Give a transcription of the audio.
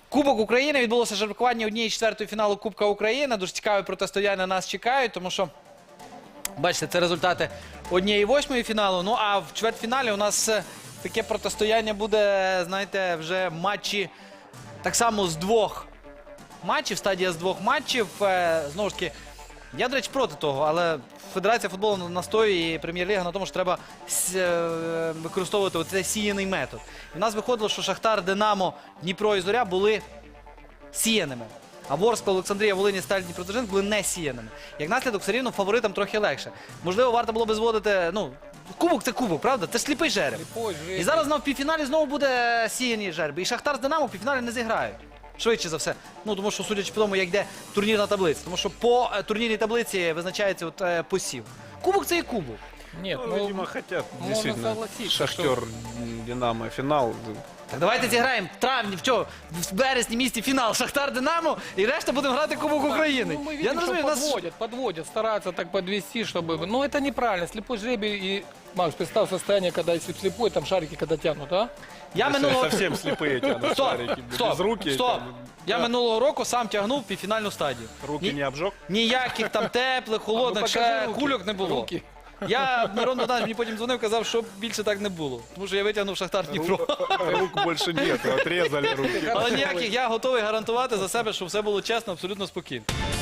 Кубок України. Відбулося жеребкування 1/4 фіналу Кубка України. Дуже цікаве протистояння нас чекають, тому що, бачите, це результати 1/8 фіналу. Ну, а в чвертьфіналі у нас таке протистояння буде, знаєте, вже матчі так само з двох матчів, стадія з двох матчів. Знову ж таки, я, до речі, проти того, але Федерація футболу настоює і Прем'єр-ліга на тому, що треба використовувати оцей сіяний метод. І в нас виходило, що Шахтар, Динамо, Дніпро і Зоря були сіяними. А Ворскла, Олександрія, Волині, Сталь, Дніпродзержинськ були не сіяними. Як наслідок, все рівно фаворитам трохи легше. Можливо, варто було би зводити, ну, кубок це кубок, правда? Це ж сліпий жереб. І зараз в півфіналі знову буде сіяні жерби. І Шахтар з Динамо в півфіналі не зіграють. Швидше за все. Ну, тому що, судячи по тому, як йде турнірна таблиця. Тому що по турнірній таблиці визначається посів. Кубок це і кубок. Нет, Ну, видимо, хотят действительно согласиться, Шахтер, Динамо, финал. Так давайте зіграємо в травні, в березні місті фінал Шахтар-Динамо і решта будемо грати Кубок України. Ну, мы Я видим, не что розумію, подводят, стараются так подвести, чтобы... Ну, это неправильно. Слепой жребий и... Макс, представь состояние, когда если слепой, там шарики когда тянут, а? Я минулого... Совсем слепые тянут шарики, без руки. Стоп. там, Я да. минулого року сам тягнув півфінальну стадію. Руки не обжег? Ніяких там теплих, холодних, ще кульок не було. Руки. Мирон Богданович мені потім дзвонив, казав, що більше так не було. Тому що я витягнув Шахтар Дніпро. Рук больше нет, отрезали руки. Але ніяких, я готовий гарантувати за себе, що все було чесно, абсолютно спокійно.